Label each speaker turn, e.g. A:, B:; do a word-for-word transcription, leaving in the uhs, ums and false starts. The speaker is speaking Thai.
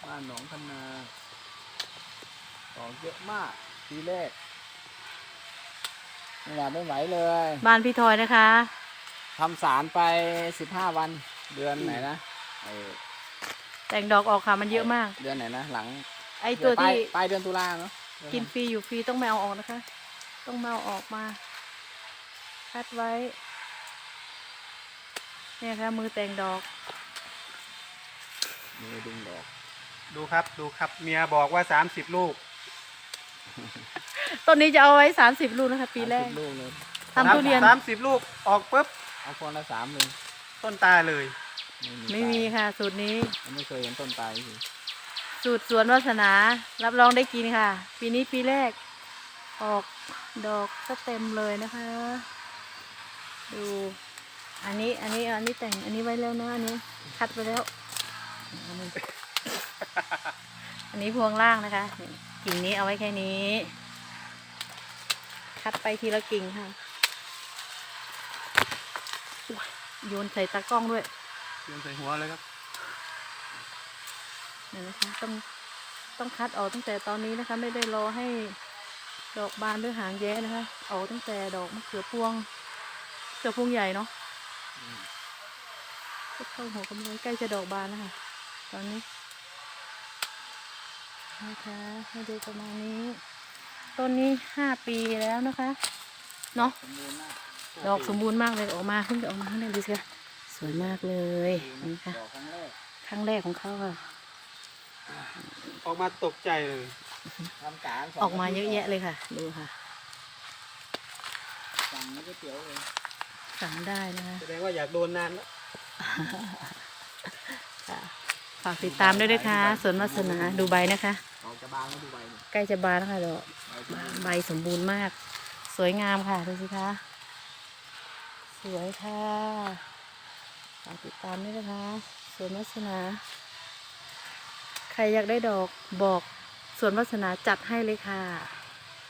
A: บ้านหนองคันนาดอกเยอะมากทีแรกไม่อยากไม่ไหวเลย
B: บ้านพี่ทอยนะคะ
A: ทำสารไปสิบห้าวันเดือนไหนนะไอ
B: แต่งดอกออกค่ะมันเยอะมาก
A: เดือนไหนนะหลัง
B: ไอตัวที่
A: ปลายเดือนตุลาเนาะ
B: กินฟรีอยู่ฟรีต้องไม่เอาออกนะคะต้องมาเอาออกมาคัดไว้เนี่ยค่ะมือแต่งดอก
A: มือดึงดอก
C: ดูครับดูครับเมียบอกว่าสามสิบลูก
B: ต้นนี้จะเอาไว้สามสิบลูกนะคะปีแรก
A: ลูกเลย
B: ทำทุเรียน
C: สามสิบลูกออกปุ๊บ
A: เอาคนละสามเลย
C: ต้นตาเลย
B: ไม่มีค่ะสูตรนี้
A: ไม่เคยเห็นต้นตายสิ
B: สูตรสวนวาสนารับรองได้กินค่ะปีนี้ปีแรกออกดอกก็เต็มเลยนะคะดูอันนี้อันนี้อันนี้แต่งอันนี้ไว้แล้วนะอันนี้คัดไปแล้วอันนี้พวงล่างนะคะกิ่งนี้เอาไว้แค่นี้คัดไปทีละกิ่งค่ะโยนใส่ตากล้องด้วย
C: โยนใส่หัวเลยครับ
B: เนี่ยนะคะต้องต้องคัดออกตั้งแต่ตอนนี้นะคะไม่ได้รอให้ดอกบานหรือหางแย้นะคะเอาตั้งแต่ดอกมะเขือพวงเขือพวงใหญ่เนาะเข้าหัวกำลังใกล้จะดอกบานนะคะตอนนี้นะคะให้ดูประมาณนี้ต้นนี้ห้าปีแล้วนะคะเนาะดอกสมบูรณ์มากเลยออกมาเพิ่งจะออกมาเท่านั้นดูสิคะสวยมากเลยนี่ค่ะครั้งแรกของเขาค่ะ
C: ออกมาตกใจเลย
B: ออกมาเยอะแยะเลยค่ะดูค่ะ
A: สั่งก๋วยเตี๋ยวเลย
B: สั่งได้นะคะ
C: แสดงว่าอยากโดนนานแล้ว
B: ฝากติดตามด้วยนะคะสวนวาสนาดูใบนะคะใกล้จะบานแล้วค่ะดอกใบสมบูรณ์มากสวยงามค่ะดูสิคะสวยค่ะฝากติดตามด้วยนะคะสวนวาสนาใครอยากได้ดอกบอกสวนวาสนาจัดให้เลยค่ะ